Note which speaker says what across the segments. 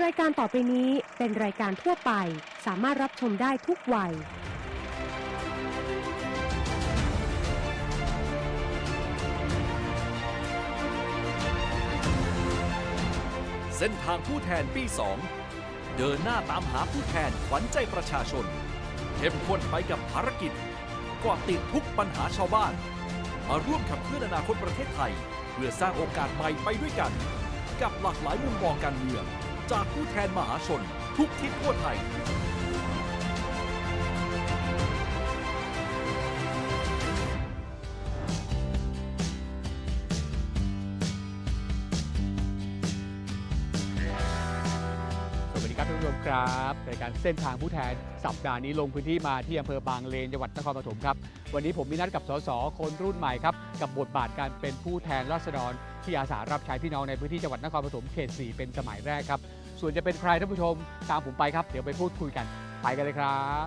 Speaker 1: รายการต่อไปนี้เป็นรายการทั่วไปสามารถรับชมได้ทุกวัย
Speaker 2: เส้นทางผู้แทนปี 2 เดินหน้าตามหาผู้แทนขวัญใจประชาชนเข้มข้นไปกับภารกิจเกาะติดทุกปัญหาชาวบ้านมาร่วมขับเคลื่อนอนาคตประเทศไทยเพื่อสร้างโอกาสใหม่ไปด้วยกันกับหลากหลายมุมมองการเมืองจากผู้แทนมหาชนทุกทิศทั่วไทย
Speaker 3: สวัสดีครับท่านผู้ชมครับรายการเส้นทางผู้แทนสัปดาห์นี้ลงพื้นที่มาที่อำเภอบางเลนจังหวัดนครปฐมครับวันนี้ผมมีนัดกับสสคนรุ่นใหม่ครับกับบทบาทการเป็นผู้แทนราษฎรที่อาสารับใช้พี่น้องในพื้นที่จังหวัดนครปฐมเขต 4 เป็นสมัยแรกครับส่วนจะเป็นใครท่านผู้ชมตามผมไปครับเดี๋ยวไปพูดคุยกันไปกันเลยครับ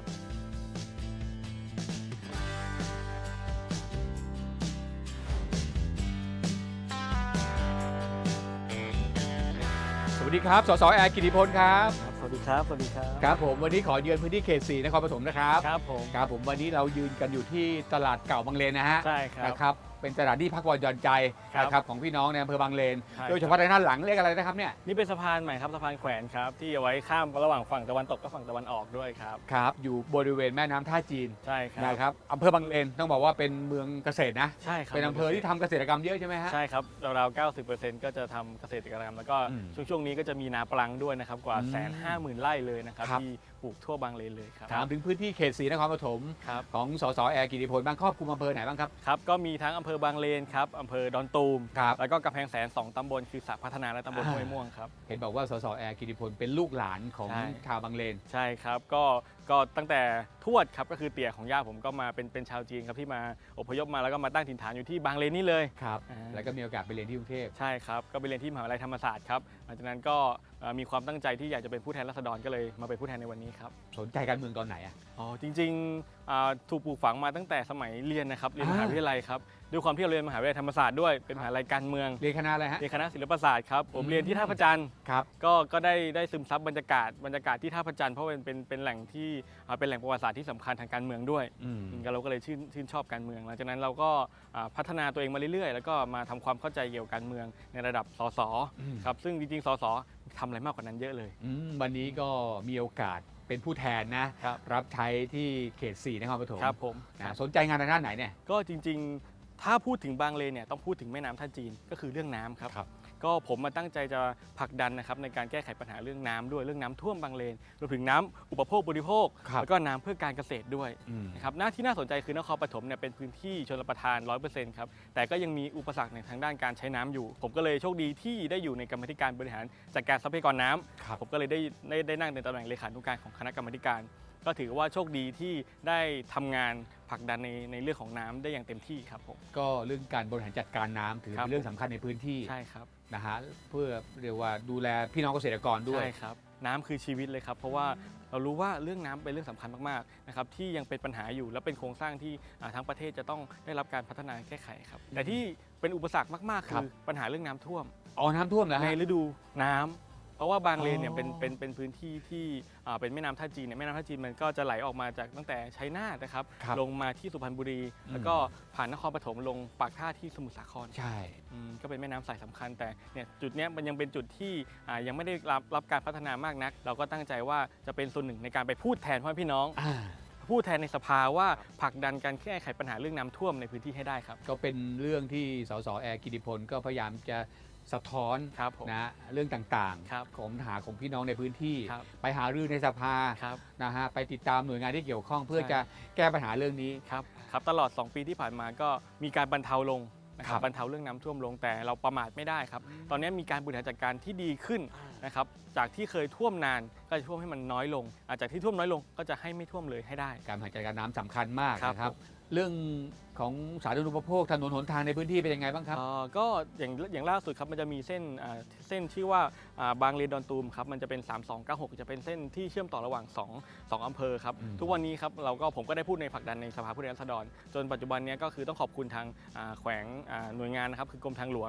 Speaker 3: สวัสดีครับสสแอร์กิติพลครับ
Speaker 4: สวัสดีครับ สวัสดีครับ
Speaker 3: ครับผมวันนี้ขอเยือนพื้นที่เขต 4 นครปฐมนะครับ
Speaker 4: ครับผม
Speaker 3: ครับผมวันนี้เรายืนกันอยู่ที่ตลาดเก่าบางเลนนะฮะ
Speaker 4: ใช่ครับ
Speaker 3: นะครับเป็นตลาดที่พักผ่อนหย่อนใจ
Speaker 4: ครับ
Speaker 3: นะครับของพี่น้องในอำเภอบางเลน
Speaker 4: ใช่
Speaker 3: โดยเฉพาะในด้านหลังเรียกอะไรนะครับเนี่ย
Speaker 4: นี่เป็นสะพานใหม่ครับ สะพานแขวนครับ ที่เอาไว้ข้ามระหว่างฝั่งตะวันตกกับฝั่งตะวันออกด้วยครับ
Speaker 3: ครับอยู่บริเวณแม่น้ำท่าจีน
Speaker 4: ใช่ครับ
Speaker 3: นะครับอำเภอบางเลนต้องบอกว่าเป็นเมืองเกษตรนะ
Speaker 4: ใช่ครับ
Speaker 3: เป็นอำเภอที่ทำเกษตรกรรมเยอะใช่ไหมฮะ
Speaker 4: ใช่ครับราวๆ 90%ก็จะทำเกษตรกรรม แล้วก็
Speaker 3: อืม
Speaker 4: ช่วงนี้ก็จะมีนาปลังด้วยนะครับ กว่า 150,000 ไร่เลยนะครับ
Speaker 3: ครับ
Speaker 4: ที่ปลูกทั่วบางเลนเลยครับ
Speaker 3: ถามถึงพื้นที่เขต 4 นครปฐม
Speaker 4: ครับ
Speaker 3: ของสสแอร์กิติพลบ้างครอบคลุมอำเภอไหนบ้างครับ
Speaker 4: ครับ ก็มีทั้งอำเภอบางเลนครับอำเภอดอนตูม
Speaker 3: ครับ
Speaker 4: แล้วก็กำแพงแสน 2 ตำบล คือสระพัฒนาและตำบลห้วยม่วงครับ
Speaker 3: เห็นบอกว่าสสแอร์กิติพลเป็นลูกหลานของ
Speaker 4: ใช่
Speaker 3: ชาวบางเลน
Speaker 4: ใช่ครับก็ตั้งแต่ทวดครับก็คือเตี่ยของย่าผมก็มาเป็นชาวจีนครับที่มาอพยพมาแล้วก็มาตั้งถิ่นฐานอยู่ที่บางเลนนี่เลย
Speaker 3: ครับ
Speaker 4: อ่า
Speaker 3: แล้วก็มีโอกาสไปเรียนที่กรุงเทพ
Speaker 4: ใช่ครับก็ไปเรียนที่มหาวิทยาลัยธรรมศาสตร์ครับหลังจากนั้นก็มีความตั้งใจที่อยากจะเป็นผู้แทนราษฎรก็เลยมาเป็นผู้แทนในวันนี้ครับ
Speaker 3: สนใจการเมืองตอนไหนอ่ะ
Speaker 4: อ๋อจริงๆถูกปลูกฝังมาตั้งแต่สมัยเรียนนะครับเรียนมหาวิทยาลัยครับด้วยความที่เราเรียนมหาวิทยาลัยธรรมศาสตร์ด้วยเป็นมหาวิทยาลัยการเมือง
Speaker 3: เรียนคณะอะไรฮะ
Speaker 4: เรียนคณะศิลปศาสตร์ครับผมเรียนที่ท่าพระจันทร์
Speaker 3: ครับ
Speaker 4: ก็ได้ซึมซับบรรยากาศที่ท่าพระจันทร์เพราะเป็นแหล่งที่เป็นแหล่งประวัติศาสตร์ที่สำคัญทางการเมืองด้วย
Speaker 3: อืม
Speaker 4: เราก็เลยชื่นชอบการเมืองหลังจากนั้นเราก็พัฒนาตัวเองมาเรื่อยๆ แล้วก็มาทำความเข้าใจเกี่ยวกับการเมืองในระดับสส
Speaker 3: อืม
Speaker 4: ครับซึ่งจริงๆสสทำอะไรมากกว่านั้นเยอะเลย
Speaker 3: วันนี้ก็มีโอกาสเป็นผู้แทนนะครับ รับใช้ที่เขต 4 นครปฐม
Speaker 4: ครับผม
Speaker 3: นะสนใจงานทางด้านไหนเนี่ย
Speaker 4: ก็จริงๆถ้าพูดถึงบางเลนเนี่ยต้องพูดถึงแม่น้ำท่าจีนก็คือเรื่องน้ำครับ
Speaker 3: ครับ
Speaker 4: ก็ผมมาตั้งใจจะผลักดันนะครับในการแก้ไขปัญหาเรื่องน้ำด้วยเรื่องน้ำท่วมบางเลนรวมถึงน้ำอุปโภคบริโภค
Speaker 3: ครับ
Speaker 4: แล้วก็น้ำเพื่อการเกษตรด้วย
Speaker 3: อืม
Speaker 4: นะครับที่น่าสนใจคือนครปฐมเนี่ยเป็นพื้นที่ชลประทาน 100%ครับแต่ก็ยังมีอุปสรรคในทางด้านการใช้น้ำอยู่ ผมก็เลยโชคดีที่ได้อยู่ในกรรมาธิการบริหารจัดการทรัพยากรน้ำ
Speaker 3: ครับ
Speaker 4: ผมก็เลยได้นั่งในตำแหน่งเลขานุการของคณะกรรมาธิการ ก็ถือว่าโชคดีที่ได้ทำงานผลักดันในเรื่องของน้ำได้อย่างเต็มที่ครับผม
Speaker 3: ก็เรื่องการบริหารจัดการน้ำถือ
Speaker 4: ครับ
Speaker 3: เป็นเรื่องสำคัญในพื้นที่
Speaker 4: ใช่ครับ
Speaker 3: นะฮะเพื่อเรียกว่าดูแลพี่น้องเกษตรกรด้วย
Speaker 4: ใช่ครับน้ำคือชีวิตเลยครับเพราะว่าเรารู้ว่าเรื่องน้ำเป็นเรื่องสำคัญมากๆนะครับที่ยังเป็นปัญหาอยู่และเป็นโครงสร้างที่ทั้งประเทศจะต้องได้รับการพัฒนาแก้ไขครับแต่ที่เป็นอุปสรรคมากๆ
Speaker 3: ครั
Speaker 4: คื
Speaker 3: บ
Speaker 4: อปัญหาเรื่องน้ำท่วม
Speaker 3: อ๋อน้ำท่วมแล้ว
Speaker 4: ใน
Speaker 3: ฮะ
Speaker 4: ฤดูน้ำเพราะว่าบางเลนเนี่ย
Speaker 3: อ๋อ
Speaker 4: เป็นพื้นที่ที่เป็นแม่น้ำท่าจีนเนี่ยแม่น้ำท่าจีนมันก็จะไหลออกมาจากตั้งแต่ชัยนาทนะครับ
Speaker 3: ครับ
Speaker 4: ลงมาที่สุพรรณบุรี แล้วก็ผ่านนครปฐมลงปากท่าที่สมุทรสาคร
Speaker 3: ใช่
Speaker 4: ก็เป็นแม่น้ำสายสำคัญแต่เนี่ยจุดเนี้ยมันยังเป็นจุดที่ยังไม่ได้รับการพัฒนามากนัก เราก็ตั้งใจว่าจะเป็นส่วนหนึ่งในการไปพูดแทนพ่อพี่น้อง
Speaker 3: อ่า
Speaker 4: พูดแทนในสภาว่าผลักดันการแก้ไขปัญหาเรื่องน้ำท่วมในพื้นที่ให้ได้ครับ
Speaker 3: ก็เป็นเรื่องที่สสแอร์กิติพลก็พยายามจะสะท้อน
Speaker 4: ครับผม
Speaker 3: นะเรื่องต่าง
Speaker 4: ครับ
Speaker 3: ของปัญหาของพี่น้องในพื้นที่
Speaker 4: ครับ
Speaker 3: ไปหารือในสภา
Speaker 4: ครับ
Speaker 3: นะฮะไปติดตามหน่วยงานที่เกี่ยวข้องเพื่อ
Speaker 4: ใช่
Speaker 3: จะแก้ปัญหาเรื่องนี้
Speaker 4: ครับตลอด 2 ปีที่ผ่านมาก็มีการบรรเทาลงนะค
Speaker 3: ครั
Speaker 4: รับบ บรรเทาเรื่องน้ำท่วมลงแต่เราประมาทไม่ได้ครับตอนนี้มีการบริหารจัดการที่ดีขึ้นนะครับจากที่เคยท่วมนานก็จะท่วมให้มันน้อยลงจากที่ท่วมน้อยลงก็จะให้ไม่ท่วมเลยให้ได้
Speaker 3: การบริหารจัดการน้ำสำคัญมาก
Speaker 4: ครับ
Speaker 3: นะครับ
Speaker 4: ผม
Speaker 3: เรื่องของสาธารณูปโภคถนนหนทางในพื้นที่เป็นยังไงบ้างครับ
Speaker 4: ก็อย่างล่าสุดครับมันจะมีเส้นชื่อว่าบางเลนดอนตูมครับมันจะเป็น 3296 จะเป็นเส้นที่เชื่อมต่อระหว่าง2อำเภอครับ
Speaker 3: อืม
Speaker 4: ทุกวันนี้ครับผมก็ได้พูดในผลักดันในสภาผู้แทนราษฎรจนปัจจุบันเนี้ก็คือต้องขอบคุณทางแขวงหน่วยงานนะครับคือกรมทางหลวง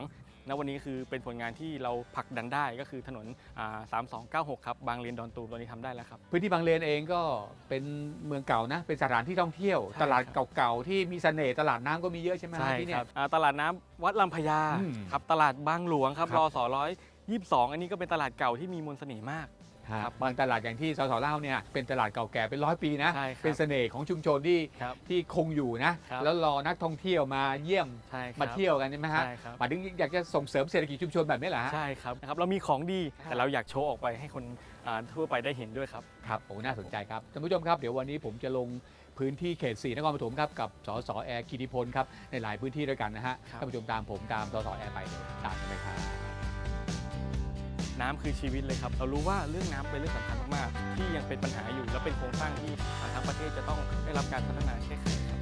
Speaker 4: ณวันนี้คือเป็นผลงานที่เราผลักดันได้ก็คือถนน3296ครับบางเลนดอนตูมตอนนี้ทำได้แล้วครับ
Speaker 3: พื้นที่บางเลนเองก็เป็นเมืองเก่านะเป็นสถานที่ท่องเที่ยว
Speaker 4: ใช่
Speaker 3: ตลาด
Speaker 4: ครับ
Speaker 3: เก่าๆที่มีเสน่ห์ตลาดน้ำก็มีเยอะใช่ไหม
Speaker 4: ใช่
Speaker 3: ที่
Speaker 4: ค
Speaker 3: เนี่
Speaker 4: รั
Speaker 3: ย
Speaker 4: บตลาดน้ำวัดลำพญา
Speaker 3: อืม
Speaker 4: ครับตลาดบางหลวงครับ
Speaker 3: ครับ
Speaker 4: รส122อันนี้ก็เป็นตลาดเก่าที่มีมนต์เสน่ห์มาก
Speaker 3: ครับบางตลาดอย่างที่สสเล่าเนี่ยเป็นตลาดเก่าแก่เป็น100 ปีนะ
Speaker 4: ใช่ครับ
Speaker 3: เป็นเสน่ห์ของชุมชนที่
Speaker 4: ครับ
Speaker 3: ที่คงอยู่นะครับ แล้วรอนักท่องเที่ยวมาเยี่ยม
Speaker 4: ใช่ครับ
Speaker 3: มาเที่ยวกันใช่ไหมฮะ
Speaker 4: ใช่ครับ
Speaker 3: หมายถึงอยากจะส่งเสริมเศรษฐกิจชุมชนแบบนี้เหรอฮะ
Speaker 4: ใช่ครับนะครับเรามีของดี
Speaker 3: ครับ
Speaker 4: แต่เราอยากโชว์ออกไปให้คนทั่วไปได้เห็นด้วยครับ
Speaker 3: ครับโอ้น่าสนใจครับท่านผู้ชมครับเดี๋ยววันนี้ผมจะลงพื้นที่เขต 4 นครปฐมครับกับสสแอร์กิติพลครับในหลายพื้นที่ด้วยกันนะฮะ
Speaker 4: ครับ
Speaker 3: ท่านผู้ชมตามผมตามสสแอร์ไปเดี๋ยวตามกันเลยครับ
Speaker 4: น้ำคือชีวิตเลยครับเรารู้ว่าเรื่องน้ำเป็นเรื่องสำคัญมากๆที่ยังเป็นปัญหาอยู่และเป็นโครงสร้างที่ทั้งประเทศจะต้องได้รับการพัฒนาแก้ไขครับ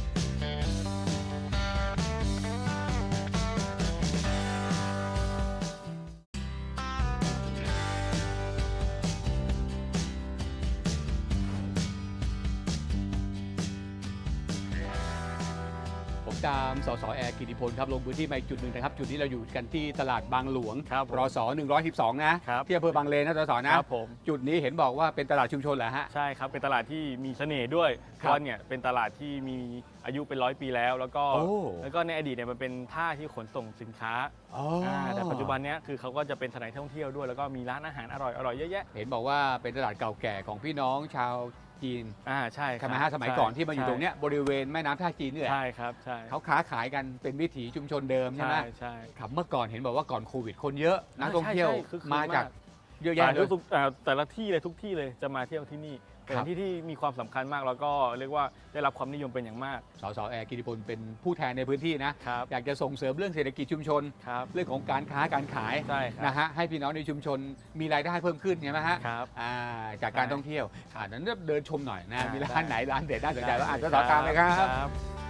Speaker 3: ผมตามสสแอร์กิติพลครับลงพื้นที่มาอีกจุดหนึ่งนะครับจุดนี้เราอยู่กันที่ตลาดบางหลวง
Speaker 4: ครับผม
Speaker 3: รศ112นะครับ ที่อำเภอบางเลนนะสสนะครับ
Speaker 4: ผม
Speaker 3: จุดนี้เห็นบอกว่าเป็นตลาดชุมชนเหรอฮะ
Speaker 4: ใช่ครับเป็นตลาดที่มีเสน่ห์ด้วยเพ
Speaker 3: ครับ
Speaker 4: ราะว่าเนี่ยเป็นตลาดที่มีอายุเป็น100 ปีแล้วแล้วก็
Speaker 3: โอ้
Speaker 4: ในอดีตเนี่ยมันเป็นท่าที่ขนส่งสินค้า
Speaker 3: อ๋อ
Speaker 4: แต่ปัจจุบันเนี้ยคือเขาก็จะเป็นสถานที่ท่องเที่ยวด้วยแล้วก็มีร้านอาหารอร่อยๆเยอะแยะ
Speaker 3: เห็นบอกว่าเป็นตลาดเก่าแก่ของพี่น้องชาวจีน
Speaker 4: ใช่ค
Speaker 3: ใช่
Speaker 4: รับ
Speaker 3: ไหมฮะสมัยก่อนที่มาอยู่
Speaker 4: ใช่
Speaker 3: ตรงเนี้ยบริเวณแม่น้ำท่าจีนนี่แหละ
Speaker 4: ใช่ครับใช่
Speaker 3: เขาค้าขายกันเป็นวิถีชุมชนเดิมใช่ไหม
Speaker 4: ใช่
Speaker 3: ครับเมื่อก่อนเห็นบอกว่าก่อนโควิดคนเยอะนักท่อง
Speaker 4: ใช่
Speaker 3: เที่ยว
Speaker 4: ใช่คึกคืน
Speaker 3: มาจาก
Speaker 4: มาก
Speaker 3: เยอะแยะเลย
Speaker 4: แต่ละที่เลยทุกที่เลยจะมาเที่ยวที่นี่เป็น
Speaker 3: ครับ
Speaker 4: ที่ที่มีความสำคัญมากแล้วก็เรียกว่าได้รับความนิยมเป็นอย่างมาก
Speaker 3: สสแอร์กิติพลเป็นผู้แทนในพื้นที่นะ
Speaker 4: ครับ
Speaker 3: อยากจะส่งเสริมเรื่องเศรษฐกิจชุมชน
Speaker 4: ครับ
Speaker 3: เรื่องของการค้าการขาย
Speaker 4: ใช่ครับ
Speaker 3: นะฮะให้พี่น้องในชุมชนมีรายได้เพิ่มขึ้นใช่ไหมฮะ
Speaker 4: ครับ
Speaker 3: จากการท่องเที่ยวนั้นเดินชมหน่อยนะ
Speaker 4: ได้
Speaker 3: มีร้านไหนร้านเด็ดน่าสนใจแล้วอ่านส
Speaker 4: ได้
Speaker 3: สตามเลยครับ
Speaker 4: ครับ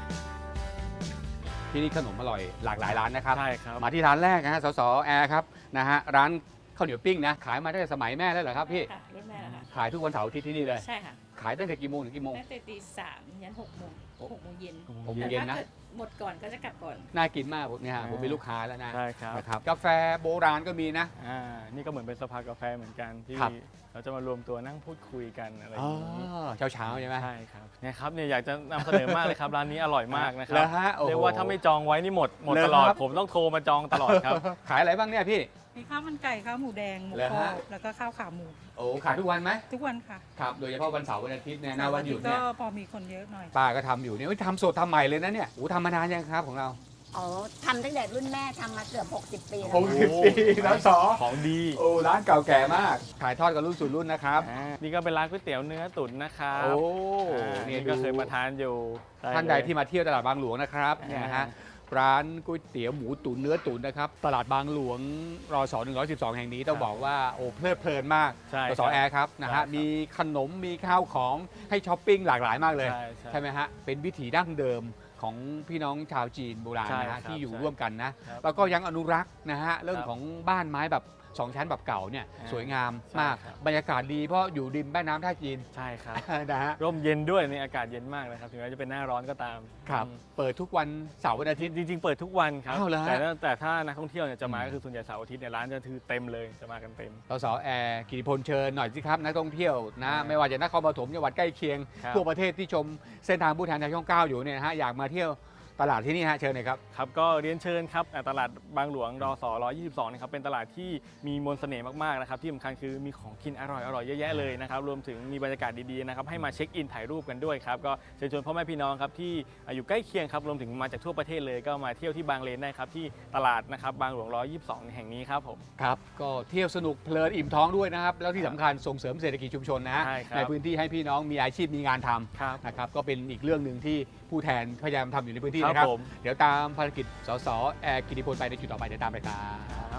Speaker 3: ที่นี่ขนมอร่อยหลากหลายร้านนะครับ
Speaker 4: ใช่ครับ
Speaker 3: มาที่ร้านแรกนะฮะสสแอร์ครับนะฮะร้านข้าวเหนียวปิ้งนะขายมาตั้งแต่สมัยแม่แล้วเหรอครับพี่
Speaker 5: ค่ะรุ่นแม่เหรอคะ
Speaker 3: ขายทุกวันเสาร์อาทิตย์ที่นี่เลย
Speaker 5: ใช่ค่ะ
Speaker 3: ขายตั้งแต่กี่โมงถึงกี่โมง
Speaker 5: ตั้งแต่ตี 3 ยัน 6 โมง 6 โมงเย็น
Speaker 3: 6 โมง
Speaker 5: แต่
Speaker 3: เย็น
Speaker 5: ถ้า
Speaker 3: นะ
Speaker 5: เกิดหมดก่อนก็จะกลับก่อน
Speaker 3: น่ากินมากผมเนี่ยฮะผมเป็นลูกค้าแล้วนะ
Speaker 4: ใช่ครับ
Speaker 3: นะครับกาแฟโบราณก็มีนะ
Speaker 4: นี่ก็เหมือนเป็นสภากาแฟเหมือนกันที่
Speaker 3: ครับ
Speaker 4: เราจะมารวมตัวนั่งพูดคุยกันอะไรอ
Speaker 3: อ๋อย่าง
Speaker 4: นี้
Speaker 3: เช้าๆใช่ไหม
Speaker 4: ใช่ครับเนี่ยครับเนี่ยอยากจะนำเสนอมากเลยครับร้านนี้อร่อยมากนะครั
Speaker 3: แล้วฮะโอ้โห
Speaker 4: เรียกว่าถ้าไม่จองไว้นี่หมด
Speaker 3: เลย
Speaker 4: ตลอด
Speaker 3: ครับ
Speaker 4: ผมต้องโทรมาจองตลอดครับ
Speaker 3: ขายอะไรบ้างเนี่ยพี่
Speaker 5: มีข้าวมันไก่ ข้าวหมูแดง หมู
Speaker 3: เหรอก
Speaker 5: รอ
Speaker 3: ฮะ
Speaker 5: บแล้วก็ข้าวขาหมู
Speaker 3: โอ้ขายทุกวันไหม
Speaker 5: ทุกวันค่ะ
Speaker 3: ครับโดยเฉพาะวันเสาร์วันอาทิตย์เนี่ยนะวันหยุด
Speaker 5: ก็
Speaker 3: เนี่ย
Speaker 5: พอมีคนเยอะหน่อย
Speaker 3: ป้าก็ทำอยู่เนี่ยเอ้ยทำสดทำใหม่เลยนะเนี่ยโอ้ทำมานานยังครับของเรา
Speaker 6: อ๋อทำตั้งแต่รุ่นแม่ทำมาเกือบ 60 ปีแล้ว
Speaker 3: หกสิบปีแล้วสอ
Speaker 4: ของดี
Speaker 3: โอ้ร้านเก่าแก่มากขายทอดกันรุ่นสู่รุ่นนะครับ
Speaker 4: นี่ก็เป็นร้านก๋วยเตี๋ยวเนื้อตุ๋นนะครับ
Speaker 3: โอ้
Speaker 4: นี่ก็เคยมาทานอยู่
Speaker 3: ท่านใดที่มาเที่ยวตลาดบางหลวงนะครับเนี่ยฮะร้านก๋วยเตี๋ยวหมูตุ๋นเนื้อตุ๋นนะครับตลาดบางหลวงรศ112 แห่งนี้ต้องบอกว่าโอ้เพลิดเพลินมาก
Speaker 4: ใช่
Speaker 3: สสแอร์ครับนะ
Speaker 4: ใช่ครั
Speaker 3: ฮะ
Speaker 4: บ
Speaker 3: มีขนมมีข้าวของให้ช้อปปิ้งหลากหลายมากเลย
Speaker 4: ใช่
Speaker 3: ใช่ไหมฮะเป็นวิถีดั้งเดิมของพี่น้องชาวจีนโบราณ
Speaker 4: ใช่
Speaker 3: นะ
Speaker 4: ครั
Speaker 3: ฮะ
Speaker 4: บ
Speaker 3: ที่อยู่
Speaker 4: ใช่
Speaker 3: ร่วมกันนะ
Speaker 4: ครับ
Speaker 3: แล้วก็ยังอนุรักษ์นะฮะเรื่อง
Speaker 4: ครับ
Speaker 3: ของบ้านไม้แบบ2 ชั้นแบบเก่าเนี่ยสวยงาม
Speaker 4: ใช่
Speaker 3: มาก
Speaker 4: ครับ
Speaker 3: บรรยากาศดีเพราะอยู่ริมแม่น้ำท่าจีน
Speaker 4: ใช่ครับ
Speaker 3: นะฮะ
Speaker 4: ร่มเย็นด้วยในอากาศเย็นมากนะครับถึงแม้จะเป็นหน้าร้อนก็ตาม
Speaker 3: ครับ
Speaker 4: อืม
Speaker 3: เปิดทุกวันเสาร์วันอาทิตย์
Speaker 4: จริงๆ เปิดทุกวันครับ
Speaker 3: อ้าวเหรอฮะ
Speaker 4: แต่ถ้านักท่องเที่ยวเนี่ยจะมา
Speaker 3: อืม
Speaker 4: ก็คือส่วนใหญ่เสาร์อาทิตย์เนี่ยร้านจะคือเต็มเลยจะมากันเต็ม
Speaker 3: สสแอร์กิติพลเชิญหน่อยสิครับนักท่องเที่ยวนะ
Speaker 4: ครับ
Speaker 3: ไม่ว่าจะนครปฐมจังหวัดใกล้เคียง
Speaker 4: ครับ
Speaker 3: ทั่วประเทศที่ชมเส้นทางผู้แทนทางช่อง 9 อยู่เนี่ยนะฮะอยากมาเที่ยวตลาดที่นี่ฮะเชิญเลยครับ
Speaker 4: ครับก็เรียนเชิญครับตลาดบางหลวงรศ122นะครับเป็นตลาดที่มีมนต์เสน่ห์มากๆนะครับที่สำคัญคือมีของกินอร่อยๆเยอะแยะเลยนะครับรวมถึงมีบรรยากาศดีๆนะครับให้มาเช็คอินถ่ายรูปกันด้วยครับก็เชิญชวนพ่อแม่พี่น้องครับที่อยู่ใกล้เคียงครับรวมถึงมาจากทั่วประเทศเลยก็มาเที่ยวที่บางเลนได้ครับที่ตลาดนะครับบางหลวง122แห่งนี้ครับผม
Speaker 3: ครับก็เที่ยวสนุกเพลินอิ่มท้องด้วยนะครับ แล้วที่สำคัญส่งเสริมเศรษฐกิจชุมชนนะ
Speaker 4: ใช่ครับ
Speaker 3: ในพื้นที่ให้พี่น้องมีอาชีพมีงานท
Speaker 4: ครับ
Speaker 3: ำนะครับก็เป็นอีกเรื่องหนึ่งที่ผู้แทนพยายามทำอยู่ในพื้นที่
Speaker 4: ครับ
Speaker 3: นะครับ
Speaker 4: ผม
Speaker 3: เดี๋ยวตามภารกิจสสแอร์กิติพลไปในจุดต่อไปเดี๋ยวตามไปครับ
Speaker 4: ครับ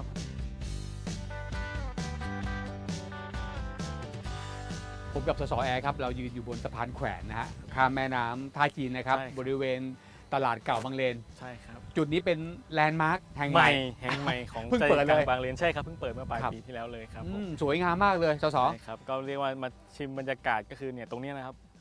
Speaker 3: ผมกับสสแอร์ครับเรายืนอยู่บนสะพานแขวนนะฮะข้ามแม่น้ำท่าจีนนะครับ
Speaker 4: ใช่ครับ
Speaker 3: บริเวณตลาดเก่าบางเลน
Speaker 4: ใช่ครับ
Speaker 3: จุดนี้เป็นแลนด์มาร์คแห่ง
Speaker 4: ให
Speaker 3: ใหม่
Speaker 4: ม่แห่งใหม่ของ
Speaker 3: เพิ่ง
Speaker 4: ใจ
Speaker 3: เปิด
Speaker 4: กลา
Speaker 3: เลย
Speaker 4: งบางเลนใช่ครับเพิ่งเปิดเมื่อปลาย
Speaker 3: ครับ
Speaker 4: ปีที่แล้วเลยครับผม
Speaker 3: สวยงามมากเลยสส
Speaker 4: ใช่ครับก็เรียกว่ามาชิมบรรยากาศก็คือเนี่ยตรงเนี้ยนะครับ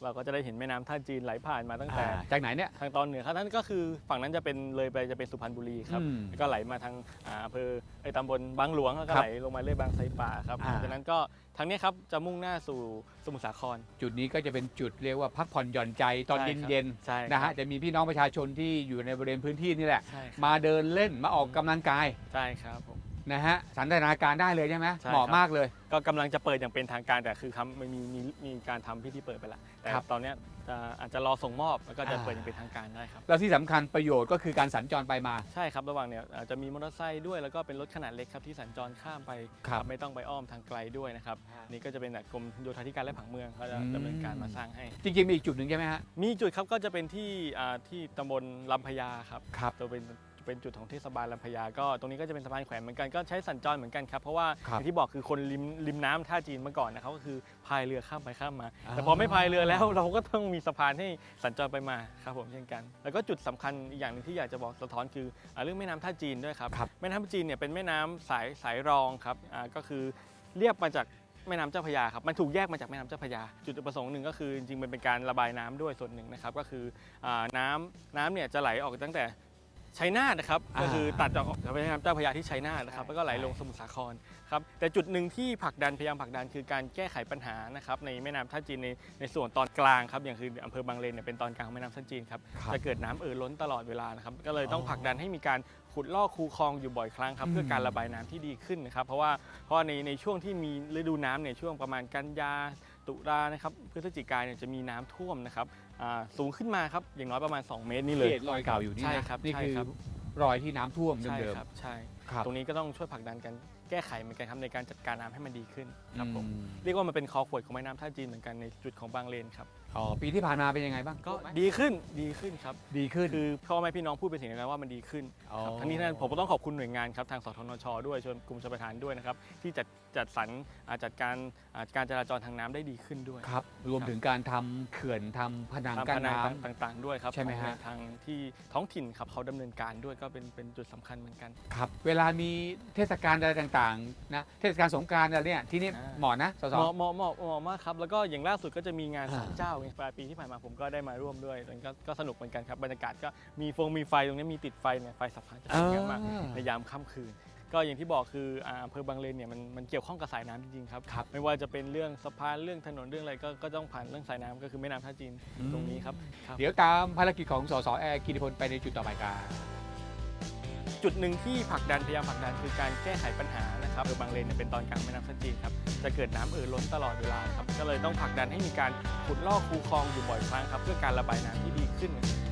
Speaker 4: เราก็จะได้เห็นแม่น้ำท่าจีนไหลผ่านมาตั้งแต่
Speaker 3: จากไหนเนี่ย
Speaker 4: ทางตอนเหนือครับนั่นก็คือฝั่งนั้นจะเป็นเลยไปจะเป็นสุพรรณบุรีครับ
Speaker 3: อืม
Speaker 4: แล้วก็ไหลมาทางอำเภอตำบลบางหลวงแล้วก็
Speaker 3: ครับ
Speaker 4: ไหลลงมาเรื่อยบางไทรป่าครับ จากนั้นก็ทางนี้ครับจะมุ่งหน้าสู่สมุทรสาคร
Speaker 3: จุดนี้ก็จะเป็นจุดเรียกว่าพักผ่อนหย่อนใจตอน
Speaker 4: ใช่ครับ
Speaker 3: เย็น
Speaker 4: ใช่
Speaker 3: ๆนะฮะจะมีพี่น้องประชาชนที่อยู่ในบริเวณพื้นที่นี่แหละ
Speaker 4: ใช่ครับ
Speaker 3: มาเดินเล่นมาออกกำลังกาย
Speaker 4: ใช่ครับผม
Speaker 3: นะฮะสันทนาการได้เลยใช่ไหม
Speaker 4: ใช่ครับ
Speaker 3: เหมาะมากเลย
Speaker 4: ก็กำลังจะเปิดอย่างเป็นทางการแต่คือมีการทำพิธีเปิดไปแล้วแต่
Speaker 3: ครับ
Speaker 4: ตอนเนี้ยอาจจะรอส่งมอบแล้วก็จะเปิดอย่างเป็นทางการได้ครับ
Speaker 3: แล้วที่สำคัญประโยชน์ก็คือการสัญจรไปมา
Speaker 4: ใช่ครับระหว่างเนี่ยอาจจะมีมอเตอร์ไซค์ด้วยแล้วก็เป็นรถขนาดเล็กครับที่สัญจรข้ามไป
Speaker 3: ครับ
Speaker 4: ไม่ต้องไปอ้อมทางไกลด้วยนะครับนี่ก็จะเป็นกรมโยธาธิการและผังเมืองเขาจะ
Speaker 3: อืม
Speaker 4: ดำเนินการมาสร้างให้
Speaker 3: จริงๆมีอีกจุดหนึ่งใช่ไหมฮะ
Speaker 4: มีจุดครับก็จะเป็นที่ตำบลลำพญาครับ
Speaker 3: ครับ
Speaker 4: จะเป็นจุดของเทศบาลลำพญาก็ตรงนี้ก็จะเป็นสะพานแขวนเหมือนกันก็ใช้สัญจรเหมือนกันครับเพราะว่า
Speaker 3: ครั
Speaker 4: อบ ย่างที่บอกคือคนริมน้ำท่าจีนเมื่อก่อนนะครับก็คือพายเรือข้ามไปข้ามมา
Speaker 3: อ่า
Speaker 4: แต่พอไม่พายเรือแล้ว เราก็ต้องมีสะพานให้สัญจรไปมาครับผมเช่นกัน แล้วก็จุดสำคัญอีกอย่างหนึงที่อยากจะบอกสะท้อนคือเรื่องแม่น้ำท่าจีนด้วยครับ
Speaker 3: ครับ
Speaker 4: แม่น้ำท่าจีนเนี่ยเป็นแม่น้ำสายรองครับก็คือเรียบมาจากแม่น้ำเจ้าพระยาครับมันถูกแยกมาจากแม่น้ำเจ้าพระยาจุดประสงค์หนึ่งก็คือจริงๆมันเป็นการระบายน้ำด้วยส่วนหนึ่งนะครับก็คือน้ำเนี่ยจะไหลออกตั้งแต่ชัยนาทนะครับก็คือตัดออกจากแม่น้ำเจ้าพระยาที่ชัยนาทนะครับแล้วก็ไหลลงสมุทรสาครครับแต่จุดหนึ่งที่พยายามผลักดันคือการแก้ไขปัญหานะครับในแม่น้ำท่าจีนในส่วนตอนกลางครับอย่างคืออำเภอบางเลนเนี่ยเป็นตอนกลางของแม่น้ำท่าจีนครับ
Speaker 3: ครับ
Speaker 4: จะเกิดน้ำล้นตลอดเวลานะครับก็เลยต้องผลักดันให้มีการขุดลอกคูคลองอยู่บ่อยครั้งครับเพื่อการระบายน้ำที่ดีขึ้นนะครับเพราะว่าในช่วงที่มีฤดูน้ำเนี่ยช่วงประมาณกันยาตุลานะครับพฤศจิกายนเนี่ยจะมีน้ำท่วมนะครับสูงขึ้นมาครับอย่างน้อยประมาณ 2 เมตรนี่เลย
Speaker 3: ที่เห็นรอยเก่าอยู่นี่
Speaker 4: ใช่
Speaker 3: นะครับ นี่
Speaker 4: ใช่
Speaker 3: คือ
Speaker 4: ครับ
Speaker 3: รอยที่น้ำท่วม
Speaker 4: ใช่
Speaker 3: เดิม
Speaker 4: ครับใช่
Speaker 3: ๆครับ
Speaker 4: ตรงนี้ก็ต้องช่วยผลักดันกันแก้ไขเหมือนกันครับในการจัดการน้ำให้มันดีขึ้นครับผม
Speaker 3: อืม
Speaker 4: เรียกว่ามันเป็นคอขวดของแม่น้ำท่าจีนเหมือนกันในจุดของบางเลนครับ
Speaker 3: อ๋อปีที่ผ่านมาเป็นยังไงบ้าง
Speaker 4: ก็ดีขึ้นครับ
Speaker 3: ดีขึ้น
Speaker 4: คือพ่อแม่พี่น้องพูดเป็นเสียงเดียวกันว่ามันดีขึ้น
Speaker 3: อ๋อ
Speaker 4: ครับทั้งนี้ทั้งนั้นผมก็ต้องขอบคุณหน่วยงานครับทางสทนชด้วยชวนกรมชลประทานด้วยนะครับที่จัดสรรจัดการจราจรทางน้ำได้ดีขึ้นด้วย
Speaker 3: ครับรวมถึงการทำเขื่อนทำผนัง
Speaker 4: ตาม
Speaker 3: กั้น
Speaker 4: พนัง
Speaker 3: น้ำ
Speaker 4: ต่างๆด้วยครับ
Speaker 3: ใช่ไหมฮะ
Speaker 4: ของทางที่ท้องถิ่นครับเขาดำเนินการด้วยก็เป็นจุดสำคัญเหมือนกัน
Speaker 3: ครับเวลามีเทศกาลอะไรต่างๆนะเทศกาลสงกรานต์อะไรเนี่ยที่นี่
Speaker 4: อ่า
Speaker 3: เหมาะนะสส
Speaker 4: เหมาะมากครับแล้วก็อย่างล่าสุดก็จะมีงาน
Speaker 3: อ่า
Speaker 4: ศาลเจ้าปลายปีที่ผ่านมาผมก็ได้มาร่วมด้วยมันก็สนุกเหมือนกันครับบรรยากาศก็มีไฟตรงนี้มีติดไฟเนี่ยไฟสะพานจะสวยงามมากในยามค่ำคืน ก็อย่างที่บอกคืออำเภอบางเลนเนี่ยมันเกี่ยวข้องกับสายน้ำจริงๆครับ
Speaker 3: ครับ
Speaker 4: ไม่ว่าจะเป็นเรื่องสะพานเรื่องถนนเรื่องอะไรก็ต้องผ่านเรื่องสายน้ำก็คือแม่น้ำท่าจีนตรงนี้ครับ
Speaker 3: เดี๋ยวตามภารกิจของสสแอร์กิติพลไปในจุดต่อไปกัน
Speaker 4: จุดหนึ่งที่พยายามผลักดันคือการแก้ไขปัญหานะครับอำเภอบางเลนเนี่ยเป็นตอนกลางแม่น้ำท่าจีนครับจะเกิดน้ำล้นตลอดเวลาครับก็เลยต้องผลักดันให้มีการขุดลอกคูคลองอยู่บ่อยครั้งครับเพื่อการระบายน้ำที่ดีขึ้น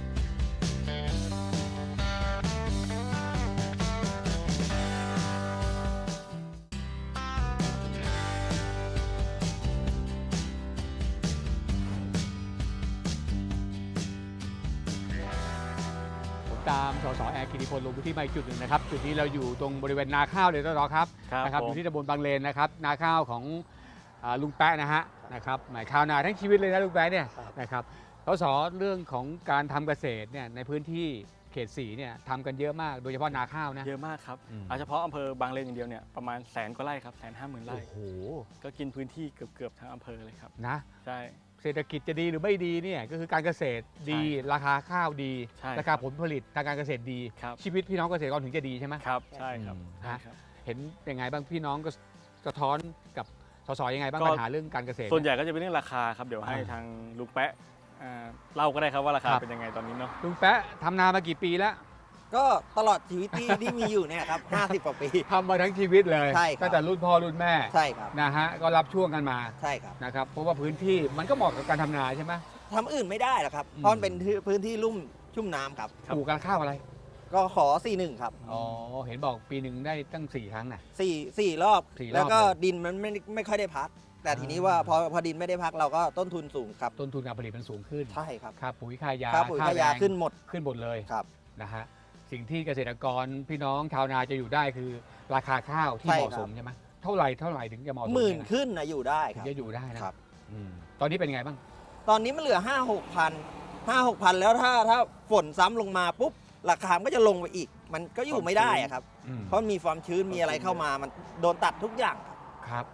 Speaker 3: ผมตามสสแอร์กิติพลลงพื้นที่มาอีกจุดหนึ่งนะครับจุดนี้เราอยู่ตรงบริเวณนาข้าวเลยสสครับ
Speaker 4: ครับ
Speaker 3: นะครับ
Speaker 4: ผม
Speaker 3: อยู่ที่ตำบลบางเลนนะครับนาข้าวของลุงแปะนะฮะนะครับหมายข้าวนาทั้งชีวิตเลยนะลุงแปะเนี่ยนะครับสสเรื่องของการทำเกษตรเนี่ยในพื้นที่เขต4เนี่ยทำกันเยอะมากโดยเฉพาะนาข้าวนะ
Speaker 4: เยอะมากครับ
Speaker 3: อืม
Speaker 4: เอาเฉพาะอำเภอบางเลนอย่างเดียวเนี่ยประมาณ100,000 กว่าไร่ครับ150,000 ไร่
Speaker 3: โอ้โห
Speaker 4: ก็กินพื้นที่เกือบทั้งอำเภอเลยครับ
Speaker 3: นะ
Speaker 4: ใช่
Speaker 3: เศรษฐกิจจะดีหรือไม่ดีเนี่ยก็คือการเกษตรดีราคาข้าวดี
Speaker 4: ใช่
Speaker 3: ราคาผลผลิตทางการเกษตรดี
Speaker 4: ครับ
Speaker 3: ชีวิตพี่น้องเกษตรกรถึงจะดีใช่ไหม
Speaker 4: ครับใช่ครับ
Speaker 3: อืม
Speaker 4: ใช่ครับ
Speaker 3: เห็นยังไงบ้างพี่น้องก็สะท้อนกับสสยังไงบ้าง
Speaker 4: ก็
Speaker 3: ปัญหาเรื่องการเกษตร
Speaker 4: ส่วนใหญ่ก็จะเป็นเรื่องราคาครับเดี๋ยวให้
Speaker 3: อ่า
Speaker 4: ทางลุงแปะเล่าก็ได้ครับว่าราคา
Speaker 3: ครับ
Speaker 4: เป็นยังไงตอนนี้เนาะ
Speaker 3: ลุงแปะทำนามากี่ปีแล้ว
Speaker 7: ก็ตลอดชีวิตที่มีอยู่เนี่ยครับ 50 กว่าปี
Speaker 3: ทำมาทั้งชีวิตเลย
Speaker 7: ใช่ครับ
Speaker 3: ตั้งแต่รุ่นพ่อรุ่นแม่
Speaker 7: ใช่ครับ
Speaker 3: นะฮะก็รับช่วงกันมา
Speaker 7: ใช่ครับ
Speaker 3: นะครับเพราะว่าพื้นที่มันก็เหมาะกับการทำนาใช่ไหม
Speaker 7: ทำอื่นไม่ได้หรอกครับ
Speaker 3: อืม
Speaker 7: เพราะมันเป็นพื้นที่ลุ่มชุ่มน้ำครับ
Speaker 3: ปลูกการข้าวอะไร
Speaker 7: ก็ขอ 41 ครับ
Speaker 3: อ๋อเห็นบอกปีหนึ่งได้ตั้ง4 ครั้งนะ
Speaker 7: 4 รอบ
Speaker 3: 4 รอบ
Speaker 7: แล้วก็
Speaker 3: เลย
Speaker 7: ดินมันไม่ค่อยได้พัก แต่ทีนี้ว่าพอดินไม่ได้พักเราก็ต้นทุนสูงครับ
Speaker 3: ต้นทุนการผลิตมันสูงขึ้น
Speaker 7: ใช่ครับ
Speaker 3: ค่าปุ๋ยค่ายา
Speaker 7: ค่าปุ๋ยค่ายา
Speaker 3: แรง
Speaker 7: ขึ้นหมด
Speaker 3: ขึ้นหมดเลย
Speaker 7: ครับ
Speaker 3: นะฮะสิ่งที่เกษตรกรพี่น้องชาวนาจะอยู่ได้คือราคาข้าวที่
Speaker 7: ใช่
Speaker 3: เหมาะ
Speaker 7: ครับ
Speaker 3: สมใช่ไหมเท่าไหร่ถึงจะเหมาะสม
Speaker 7: หมื่น
Speaker 3: เยะ
Speaker 7: ขึ้นนะอยู่ได้
Speaker 3: ถึ
Speaker 7: ค
Speaker 3: ง
Speaker 7: รับ
Speaker 3: จะอยู่ได้นะครับ อืมตอนนี้เป็นไงบ้าง
Speaker 7: ตอนนี้มันเหลือ 5-6,000 แล้วถ้าฝนซ้ำลงมาปุ๊บราคามันก็จะลงไปอีก มันก็อยู่ไม่ได้อะครับ
Speaker 3: อืม
Speaker 7: เพราะมันมีความชื้นมีอะไรเข้ามามันโดนตัดทุกอย่างครับ
Speaker 3: ครับ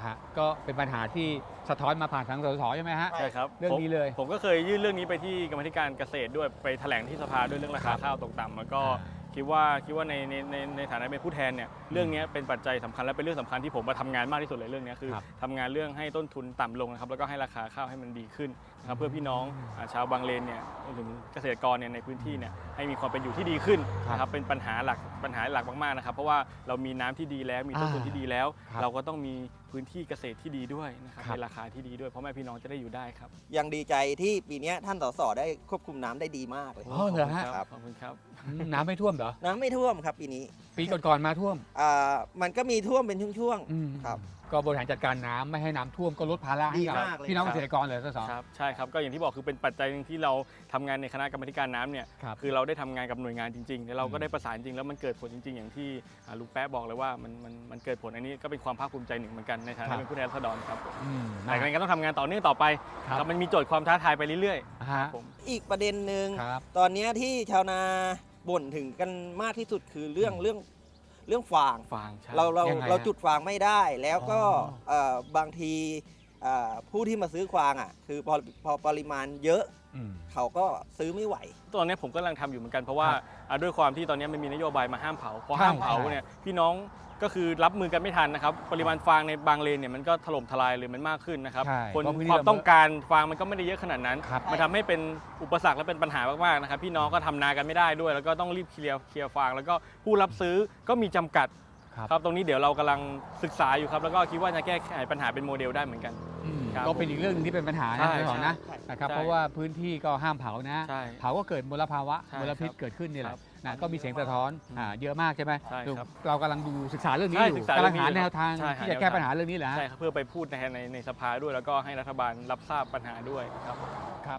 Speaker 3: ฮะก็เป็นปัญหาที่สะท้อนมาผ่านทางสสใช่ไหมฮะ
Speaker 4: ใช่ครับ
Speaker 3: เรื่องนี้เลย
Speaker 4: ผมก็เคยยื่นเรื่องนี้ไปที่กรรมาธิการเกษตรด้วยไปแถลงที่สภาด้วยเรื่องราคาข้าวตกต่ำแล้วก็คิดว่าในฐานะเป็นผู้แทนเนี่ยเรื่องนี้เป็นปัจจัยสำคัญและเป็นเรื่องสำคัญที่ผมมาทำงานมากที่สุดเลยเรื่องนี้คือ
Speaker 3: ครับ
Speaker 4: ทำงานเรื่องให้ต้นทุนต่ำลงนะครับแล้วก็ให้ราคาข้าวให้มันดีขึ้นนะครับเพื่อพี่น้องชาวบางเลนเนี่ยรวมถึงเกษตรกรเนี่ยในพื้นที่เนี่ยให้มีความเป็นอยู่ที่ดีขึ้นนะครับเป็นปัญหาหลักมากๆนะครับเพราะว่าเรามีน้ำที่ดีแล้วมีต้นทุนที่ดีแล้ว
Speaker 3: ครับ
Speaker 4: เราก็ต้องมีพื้นที่เกษตรที่ดีด้วยนะครับ
Speaker 3: ครับ
Speaker 4: ในราคาที่ดีด้วยเพราะแม่พี่น้องจะได้อยู่ได้ครับ
Speaker 7: ยังดีใจที่ปีเนี้ยท่านสสได้ควบคุมน้ำได้ดีมากเลย
Speaker 3: อ๋อเหรอฮะ
Speaker 7: ครับ
Speaker 4: ขอบคุณครับ
Speaker 3: น้ำไม่ท่วมเหรอ
Speaker 7: น้ำไม่ท่วมครับปีนี้
Speaker 3: ปีก่อนๆมาท่วม
Speaker 7: มันก็มีท่วมเป็นช่วง
Speaker 3: อืม
Speaker 7: ๆครับ
Speaker 3: ก็บริหารจัดการน้ำไม่ให้น้ำท่วมก็ลดภาระให้กับ
Speaker 7: ดีมากเลย
Speaker 3: พี่น้อง
Speaker 7: ครั
Speaker 3: เก
Speaker 7: บ
Speaker 3: ษตรกรเลยสส
Speaker 4: ครับใช่ครับก็อย่างที่บอกคือเป็นปัจจัยหนึงที่เราทำงานในคณะกรรมาธิการน้ำเนี่ย
Speaker 3: ครับ
Speaker 4: คือเราได้ทำงานกับหน่วยงานจริงๆแล้วเราก็ได้ประสานจริงแล้วมันเกิดผลจริง ๆ อย่างที่ลุงแป๊ะบอกเลยว่ามันเกิดผลอันนี้ก็เป็นความภาคภูมิใจหนึ่งเหมือนกันในฐา
Speaker 3: ครั
Speaker 4: นะ
Speaker 3: บ
Speaker 4: เป็นผู้แทนราษฎรครับ
Speaker 3: อืม
Speaker 4: แต่ก็ต้องทำงานต่อเนื่องต่อไป
Speaker 3: ครับ
Speaker 4: ครับมันมีโจทย์ความท้าทายไปเรื่อย
Speaker 3: ฮะ
Speaker 4: ๆผม
Speaker 7: อีกประเด็นหนึ่ง
Speaker 3: ครับ
Speaker 7: ตอนเนี้ยที่ชาวนาบ่นถึงกันมากที่สุดคือเรื่องฟาง
Speaker 4: ฟางใช่
Speaker 3: ยังไงฮะ
Speaker 7: เราจุดฟางไม่ได้ แล้วก็
Speaker 3: อ๋อ
Speaker 7: บางทีผู้ที่มาซื้อฟางคือพอปริมาณเยอะ
Speaker 3: อืม
Speaker 7: เขาก็ซื้อไม่ไหว
Speaker 4: ตอนนี้ผมกำลังทำอยู่เหมือนกันเพราะว่า
Speaker 3: ครับ
Speaker 4: ด้วยความที่ตอนนี้มันมีนโยบายมาห้ามเผาพอ
Speaker 3: ใช่
Speaker 4: ห้ามเผา
Speaker 3: ใช่
Speaker 4: เนี่ยพี่น้องก็คือรับมือกันไม่ทันนะครับปริมาณฟางในบางเลนเนี่ยมันก็ถล่มทลายเลยมันมากขึ้นนะครับ
Speaker 3: ใช่
Speaker 4: คน
Speaker 3: เพราะพื้นที่
Speaker 4: ความต้องการฟางมันก็ไม่ได้เยอะขนาดนั้น
Speaker 3: ครับ
Speaker 4: มันทำให้เป็นอุปสรรคและเป็นปัญหามากๆนะครับพี่น้องก็ทำนากันไม่ได้ด้วย แล้วก็ต้องรีบเคลียร์ฟางแล้วก็ผู้รับซื้อก็มีจำกัด
Speaker 3: ครับ
Speaker 4: ครับตรงนี้เดี๋ยวเรากำลังศึกษาอยู่ครับแล้วก็คิดว่าจะแก้ไขปัญหาเป็นโมเดลได้เหมือนกัน
Speaker 3: อืม
Speaker 4: ครับ
Speaker 3: ก็เป็นอีกเรื่องหนึงที่เป็นปัญหา
Speaker 4: ใช่
Speaker 3: นะพี่หอนะ
Speaker 7: ใช่
Speaker 3: นะครับ
Speaker 4: ใช่
Speaker 3: เพราะว่าพื้นที่ก็ห้ามเผานะ
Speaker 4: ใช่
Speaker 3: เผาก็เกิดมลภาวะ
Speaker 4: ใช่
Speaker 3: มลพิษ
Speaker 4: ครับ
Speaker 3: เกิดขึ้นนี่แห
Speaker 4: ครั
Speaker 3: ละ
Speaker 4: บ
Speaker 3: นะก็มีเสียงสะท้อนเยอะมากใช่ไหม
Speaker 4: ใช่ครับ
Speaker 3: เรากำลังดูศึกษาเรื่องนี้
Speaker 4: ใช่
Speaker 3: อยู่
Speaker 4: ศึกษาก
Speaker 3: ำลังหา
Speaker 4: เรื่องนี้
Speaker 3: แนวทาง
Speaker 4: ใช่
Speaker 3: ที่
Speaker 4: หา
Speaker 3: จะ
Speaker 4: แนว
Speaker 3: แก้
Speaker 4: ทาง
Speaker 3: ปัญหาเรื่องนี้แหละ
Speaker 4: ใช่ครับเพื่อไปพูดในสภาด้วยแล้วก็ให้รัฐบาลรับทราบปัญหาด้วยครับ
Speaker 3: ครับ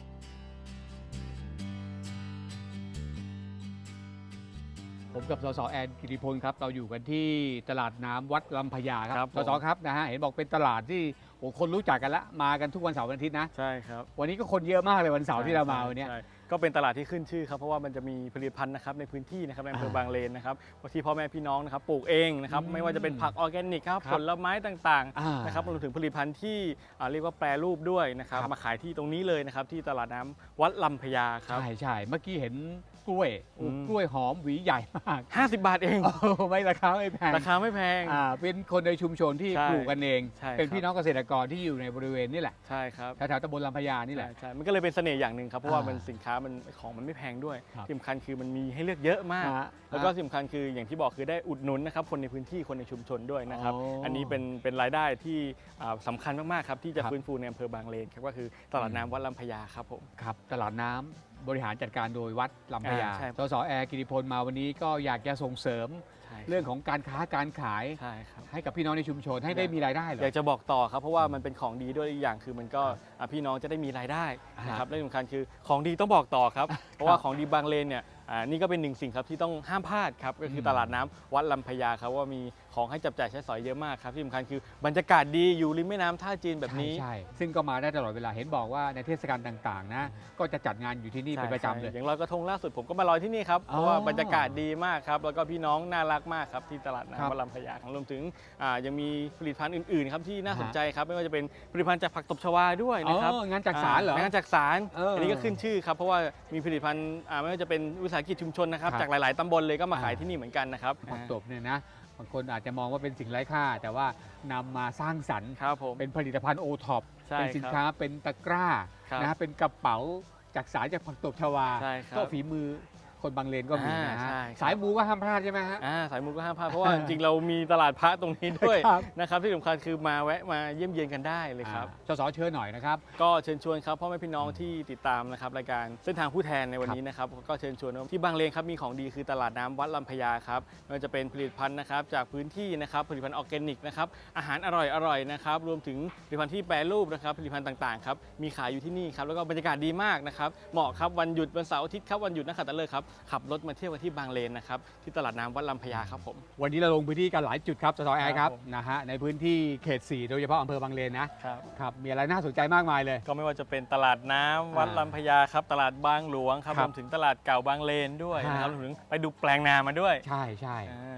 Speaker 3: ผมกับสสแอนกิติพลครับเราอยู่กันที่ตลาดน้ำวัดลำพญาค
Speaker 4: ครั
Speaker 3: รับบ
Speaker 4: ผม
Speaker 3: สสครับนะฮะเห็นบอกเป็นตลาดที่โอ้คนรู้จักกันละมากันทุกวันเสาร์วันอาทิตย์นะ
Speaker 4: ใช่ครับ
Speaker 3: วันนี้ก็คนเยอะมากเลยวันเสาร์ที่เรามาวันเนี้ย
Speaker 4: ใช่ก็เป็นตลาดที่ขึ้นชื่อครับเพราะว่ามันจะมีผลิตภัณฑ์นะครับในพื้นที่นะครับในอำเภอบางเลนนะครับที่พ่อแม่พี่น้องนะครับปลูกเองนะครับ
Speaker 3: อืม
Speaker 4: ไม่ว่าจะเป็นผักออร์แกนิกครับ
Speaker 3: ครับ
Speaker 4: ผลไม้ต่าง
Speaker 3: อ่า
Speaker 4: ๆนะครับรวมถึงผลิตภัณฑ์ที่เรียกว่าแปรรูปด้วยนะครับ
Speaker 3: ครับ
Speaker 4: มาขายที่ตรงนี้เลยนะครับที่ตลาดน้ำวัดลำพญาครับ
Speaker 3: ใช่ใช่เมื่อกี้เห็นกล้วยโอ้
Speaker 4: อืม
Speaker 3: กล้วยหอมหวีใหญ่มาก
Speaker 4: 50 บาทเอง
Speaker 3: โอ้ไม่ราคาไม่แพง
Speaker 4: ราคาไม่แพง
Speaker 3: เป็นคนในชุมชนที่
Speaker 4: ใช่
Speaker 3: ปลูกกันเอง
Speaker 4: ใช่ครับ
Speaker 3: เป็นพี่น้องเกษตรกรที่อยู่ในบริเวณนี่แหละ
Speaker 4: ใช่ครับ
Speaker 3: แถวๆตำบลลำพญานี่แหละ
Speaker 4: ใช่มันก็เลยเป็นเสน่ห์อย่างหนึ่งครับเพราะว่า
Speaker 3: อ่ามั
Speaker 4: มันสินค้ามันของมันไม่แพงด้วย
Speaker 3: ครับ
Speaker 4: ที่สำคัญคือมันมีให้เลือกเยอะมาก
Speaker 3: ฮะ
Speaker 4: แล้วก็ที่สำคัญคืออย่างที่บอกคือได้อุดหนุนนะครับคนในพื้นที่คนในชุมชนด้วยนะครับ
Speaker 3: อ๋ออั
Speaker 4: อันนี้เป็นรายได้ที่สำคัญมากๆครับที่จะ
Speaker 3: ครับ
Speaker 4: ฟื้นฟูในอำเภอบางเลนครับก็คือตลาดน้ำวัดลำพญาครับผม
Speaker 3: ครับตลาดน้ำบริหารจัดการโดยวัดลำพญา
Speaker 4: ใช่
Speaker 3: สสแอร์กิติพลมาวันนี้ก็อยากจะส่งเสริม
Speaker 4: ใช่
Speaker 3: เรื่องของการค้าการขาย
Speaker 4: ใช่ครับ
Speaker 3: ให้กับพี่น้องในชุมชนให้ได้มีรายได้เหรอ
Speaker 4: อยากจะบอกต่อครับเพราะว่ามันเป็นของดีด้วยอีกอย่างคือมันก็พี่น้องจะได้มีรายได้นะครับและที่สำคัญคือของดีต้องบอกต่อครับเพราะว่าของดีบางเลนเนี่ยนี่ก็เป็นหนึ่งสิ่งครับที่ต้องห้ามพลาดครับก็คือตลาดน้ำวัดลำพญาครับว่ามีของให้จับจ่ายใช้สอยเยอะมากครับที่สำคัญคือบรรยากาศดีอยู่ริมแม่น้ำท่าจีนแบบนี้
Speaker 3: ใช่ซึ่งก็มาได้ตลอดเวลาเห็นบอกว่าในเทศกาลต่างๆนะก็จะจัดงานอยู่ที่นี่เป็นประจำเลย
Speaker 4: ใช่อย่างลอยกระทงล่าสุดผมก็มาลอยที่นี่ครับ
Speaker 3: อ๋อ
Speaker 4: เพราะว่าบรรยากาศดีมากครับแล้วก็พี่น้องน่ารักมากครับที่ตลาด
Speaker 3: ครับ
Speaker 4: น้ำวัดลำพญาครับรวมถึงยังมีผลิตภัณฑ์อื่นๆครับที่น่าสนใจครับไม่ว่าจะเป็นผลิตภัณฑ์จากผักตบชวาด้วยนะครับ
Speaker 3: งานจักสารเหรอ
Speaker 4: งานจักสาร
Speaker 3: เอออั
Speaker 4: อันนี้ก็ขึ้นชื่อครับเพราะว่ามีผลิตภัณฑ์ไม่ว่าจะเป็นวิสาหกิจชุมชนนะครับ
Speaker 3: ครับ
Speaker 4: จากหลายๆตำบลเลยก็มาขายที่นี่เหมือนกันนะครับ
Speaker 3: ผักตบเนี่ยนะบางคนอาจจะมองว่าเป็นสิ่งไร้ค่า แต่ว่านำมาสร้างสรรค์
Speaker 4: ครับผม
Speaker 3: เป็นผลิตภัณฑ์โอท็อป
Speaker 4: ใช่
Speaker 3: เป็นสินค้าเป็นตะกร้า
Speaker 4: ครับ
Speaker 3: นะเป็นกระเป๋าจากสารจากผักตบชวา
Speaker 4: ใช่ครับ
Speaker 3: ก็ฝีมือคนบางเลนก็มีนะฮะ
Speaker 4: ใช่ครับ
Speaker 3: สายบูก็ห้ามพลาดใช่ไหมฮะ
Speaker 4: สายมูก็ห้ามพลาดเพราะว่าจริงๆเรามีตลาดพระตรงนี้ด้วย
Speaker 3: ครับ
Speaker 4: นะครับที่สำคัญคือมาแวะมาเยี่ยมเยียนกันได้เลยครับ
Speaker 3: สสเชิญหน่อยนะครับ
Speaker 4: ก็เชิญชวนครับพ่อแม่พี่น้องที่ติดตามนะครับรายการเส้นทางผู้แทนในวันนี้นะครับก็เชิญชวนว่าที่บางเลนครับมีของดีคือตลาดน้ำวัดลำพญาครับไม่ว่าจะเป็นผลิตภัณฑ์นะครับจากพื้นที่นะครับผลิตภัณฑ์ออร์แกนิกนะครับอาหารอร่อยๆนะครับรวมถึงผลิตภัณฑ์ที่แปรรูปนะครับผลิตภัณฑ์ต่างๆครับมีขายอยู่ที่นี่ครับแล้วก็บรรยากาศดีมากนะครับเหมาะครับวันหยุดวันเสาร์อาทิตย์ครับวันหยุดนักขัตฤกษ์ครับขับรถมาเที่ยวกันที่บางเลนนะครับที่ตลาดน้ำวัดลำพญาครับผม
Speaker 3: วันนี้เราลงพื้นที่กันหลายจุดครับสสแอร์ครับ
Speaker 4: ครับผม
Speaker 3: นะฮะในพื้นที่เขต 4 โดยเฉพาะอำเภอบางเลนนะครับ ครับมีอะไรน่าสนใจมากมายเลย
Speaker 4: ก็ไม่ว่าจะเป็นตลาดน้ำวัดลำพญาครับตลาดบางหลวงครับ
Speaker 3: ครั
Speaker 4: ร
Speaker 3: บ
Speaker 4: วมถึงตลาดเก่าบางเลนด้วยนะครับ
Speaker 3: ฮะ
Speaker 4: รวมถึงไปดูแปลงนามาด้วย
Speaker 3: ใช่ใช่
Speaker 4: เรี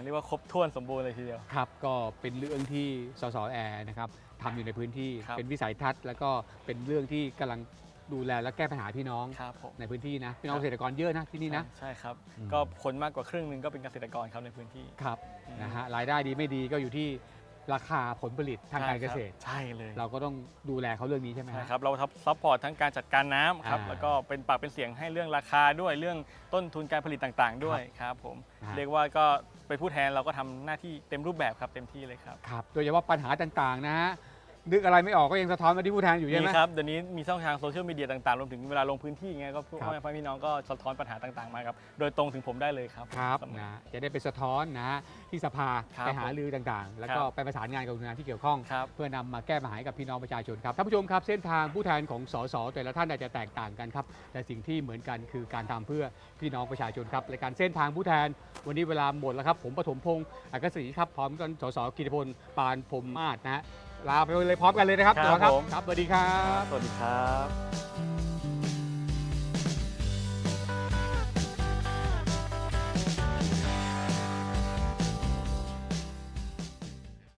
Speaker 4: รียกว่าครบถ้วนสมบูรณ์เลยทีเดียว
Speaker 3: ครับก็เป็นเรื่องที่สสแอร์นะครับทำอยู่ในพื้นที่
Speaker 4: ครับ
Speaker 3: เป็นวิสัยทัศน์ แล้วก็เป็นเรื่องที่กำลังดูแลและแก้ปัญหาพี่น้อง
Speaker 4: ครับผม
Speaker 3: ในพื้นที่นะพี่น้องเกษตรกรเยอะนะที่นี่นะ
Speaker 4: ใช่ครับ
Speaker 3: อืม
Speaker 4: ก็คนมากกว่าครึ่งหนึงก็เป็นเกษตรกรครับในพื้นที่
Speaker 3: ครับ
Speaker 4: อืม
Speaker 3: นะฮะรายได้ดีไม่ดีก็อยู่ที่ราคาผลผลิตทางการเกษตร
Speaker 4: ใช่เลย
Speaker 3: เราก็ต้องดูแลเขาเรื่องนี้ใช่ไหม
Speaker 4: ใช่
Speaker 3: ฮะ
Speaker 4: ครับเราซัพพอร์ตทั้งการจัดการน้ำครับ
Speaker 3: อ่า
Speaker 4: แล้วก็เป็นปากเป็นเสียงให้เรื่องราคาด้วยเรื่องต้นทุนการผลิตต่างๆ ด้วยครับผม
Speaker 3: นะฮะ
Speaker 4: เรียกว่าก็เป็นผู้แทนเราก็ทำหน้าที่เต็มรูปแบบครับเต็มที่เลยครับ
Speaker 3: ครับโดยเฉพาะปัญหาต่างๆนะฮะนึกอะไรไม่ออกก็ยังสะท้อนมาที่ผู้แทนอยู่ใช่ไหม
Speaker 4: มีครับเดี๋ยวนี้มีช่องทางโซเชียลมีเดียต่างๆรวมถึงเวลาลงพื้นที่ไงก็พวก
Speaker 3: ครับ
Speaker 4: พ่อแม่พี่น้องก็สะท้อนปัญหาต่างๆมาครับโดยตรงถึงผมได้เลยครับ
Speaker 3: ครับ
Speaker 4: เสมอ
Speaker 3: นะจะได้ไปสะท้อนนะฮะที่สภา
Speaker 4: ครับ
Speaker 3: ไปหารือต่างๆ แล้วก็
Speaker 4: ครับ
Speaker 3: ไปประสานงานกับหน่วยงานที่เกี่ยวข้อง
Speaker 4: ครับ
Speaker 3: เพื่อนำมาแก้ปัญหาให้กับพี่น้องประชาชนครับท่านผู้ชมครับเส้นทางผู้แทนของสสแต่ละท่านอาจจะแตกต่างกันครับแต่สิ่งที่เหมือนกันคือการทำเพื่อพี่น้องประชาชนครับรายการเส้นทางผู้แทนวันนี้เวลาหมดแล้วครับผมปฐมพงศ์อักษรีครับพร้อมกันสสกิติพลปานพรหมมาศนะฮะลาไปเลยพร้อมกันเลยนะครับ
Speaker 4: ครับ
Speaker 3: สส
Speaker 4: ผม
Speaker 3: ครับสวัสดีครับ
Speaker 4: สวัสดีครับ